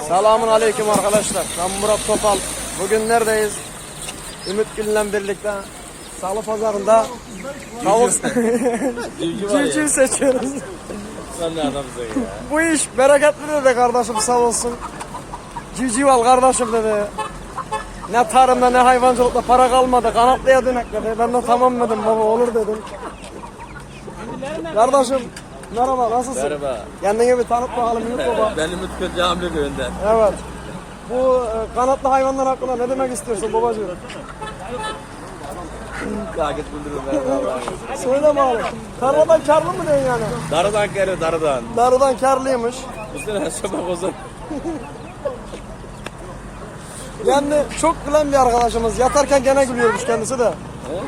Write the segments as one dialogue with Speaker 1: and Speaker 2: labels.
Speaker 1: Selamun aleyküm arkadaşlar. Ben Murat Topal. Bugün neredeyiz? Ümit Gül'le birlikte Salı Pazarı'nda tavuk civciv seçiyoruz.
Speaker 2: Sen ne adamsın ya?
Speaker 1: Bu iş bereketli dedi kardeşim, sağ olsun. Civciv al kardeşim dedi. Ne tarımda ne hayvancılıkta para kalmadı. Kanatlıya dönek dedi. Ben de tamam dedim, baba olur dedim. Kardeşim merhaba, nasılsın?
Speaker 2: Merhaba.
Speaker 1: Kendine bir tanıt bakalım Ümit baba.
Speaker 2: Ben Ümit Gül Camili köyünden.
Speaker 1: Evet. Bu kanatlı hayvanlar hakkında ne demek istiyorsun babacığım?
Speaker 2: Takip bildiririm ben.
Speaker 1: Söyle bakalım. Tarladan karlı mı diyorsun yani?
Speaker 2: Darıdan geliyor darıdan.
Speaker 1: Darıdan karlıymış.
Speaker 2: Bu sene şabak olsun.
Speaker 1: Yani çok gülen bir arkadaşımız. Yatarken gene gülüyormuş kendisi de.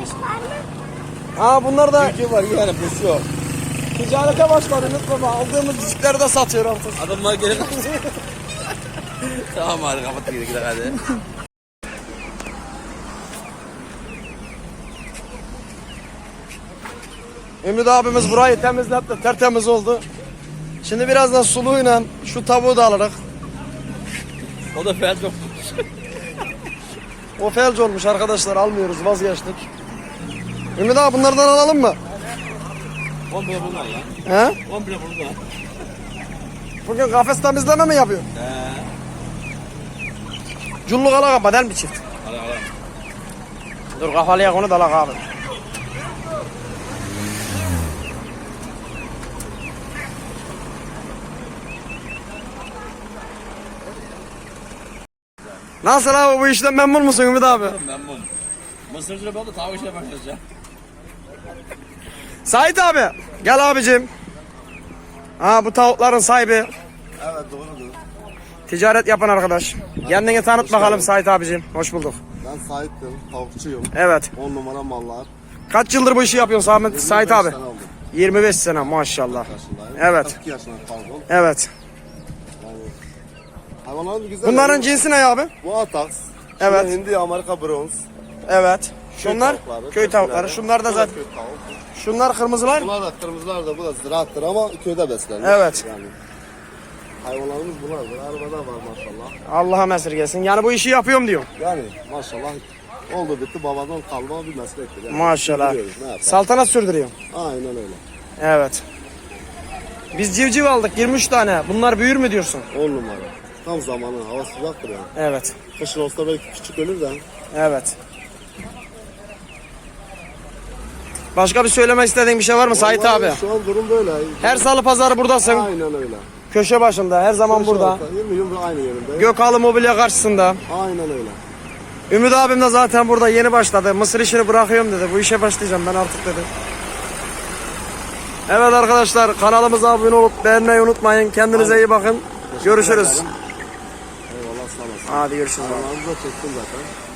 Speaker 1: Ha bunlar da
Speaker 2: Kim var yani bu yok.
Speaker 1: ticarete başladı Ümit baba. Aldığımız cicikleri de satıyor artık.
Speaker 2: Adamlar gelin. Tamam hadi kapat gidelim hadi.
Speaker 1: Ümit abimiz burayı temizletti. Tertemiz oldu. Şimdi birazdan suluyla şu tavuğu da alırız.
Speaker 2: O da fel çok.
Speaker 1: O felç olmuş arkadaşlar, almıyoruz, vazgeçtik. Ümit abi bunlardan alalım mı?
Speaker 2: 10 bile bunlar ya.
Speaker 1: He?
Speaker 2: 10 bile bunlar.
Speaker 1: Bugün kafes temizleme mi yapıyor?
Speaker 2: He.
Speaker 1: Culluk alaka badel mi çift?
Speaker 2: Hadi hadi.
Speaker 1: Dur kafalıya konu da alak abi. Nasıl abi, bu işten memnun musun Ümit abi?
Speaker 2: Memnun. Mısırcılık oldu tavuk işine başlayacağım.
Speaker 1: Sait abi gel abicim. Ha bu tavukların sahibi.
Speaker 3: Evet doğrudur.
Speaker 1: Ticaret yapan arkadaş. Kendini tanıt bakalım Sait abicim. Hoş bulduk.
Speaker 3: Ben sahiptim, tavukçuyum.
Speaker 1: Evet.
Speaker 3: 10 numara mallar.
Speaker 1: Kaç yıldır bu işi yapıyorsun Sait
Speaker 3: 25
Speaker 1: abi?
Speaker 3: sene oldu.
Speaker 1: 25 sene maşallah.
Speaker 3: Yaşındayım.
Speaker 1: Evet.
Speaker 3: 42 yaşında pardon.
Speaker 1: Evet.
Speaker 3: Yani hayvanların güzel.
Speaker 1: Bunların cinsi ne abi?
Speaker 3: Bu Atax.
Speaker 1: Evet.
Speaker 3: Şurada Hindi, Amerika Bronz.
Speaker 1: Evet. Şunlar
Speaker 3: tavukları,
Speaker 1: köy tavukları.
Speaker 3: köylere.
Speaker 1: Şunlar da
Speaker 3: Bu
Speaker 1: zaten.
Speaker 3: köy tavuk.
Speaker 1: Şunlar kırmızılar.
Speaker 3: Bunlar da kırmızılar da bu da ziraattır ama köyde beslenir.
Speaker 1: Evet.
Speaker 3: Yani hayvanlarımız bunlardır. Arabada var maşallah.
Speaker 1: Allah'a esirgesin. Yani bu işi yapıyorum diyor.
Speaker 3: Yani maşallah oldu bitti babadan kalma bir meslektir. Yani
Speaker 1: Maşallah.
Speaker 3: sürdürüyoruz, ne yapalım?
Speaker 1: Saltanat sürdürüyor.
Speaker 3: Aynen öyle.
Speaker 1: Evet. Biz civciv aldık 23 tane. Bunlar büyür mü diyorsun?
Speaker 3: 10 numara. Tam zamanı hava sıcaktır yani.
Speaker 1: Evet.
Speaker 3: Kışın olsa belki küçük ölür de.
Speaker 1: Evet. Başka bir söylemek istediğin bir şey var mı Sait
Speaker 3: Vallahi
Speaker 1: abi?
Speaker 3: Şu an durum böyle.
Speaker 1: Her salı pazarı buradasın.
Speaker 3: Aynen öyle.
Speaker 1: Köşe başında, her zaman burada.
Speaker 3: 20 yıldır aynı yerinde.
Speaker 1: Gökhalı Mobilya karşısında.
Speaker 3: Aynen öyle.
Speaker 1: Ümit abim de zaten burada yeni başladı. Mısır işini bırakıyorum dedi. Bu işe başlayacağım ben artık dedi. Evet arkadaşlar, kanalımıza abone olup beğenmeyi unutmayın. Kendinize iyi bakın. Görüşürüz.
Speaker 3: Eyvallah sağ olasın.
Speaker 1: Hadi görüşürüz.
Speaker 3: Kanalımızı da çektim zaten.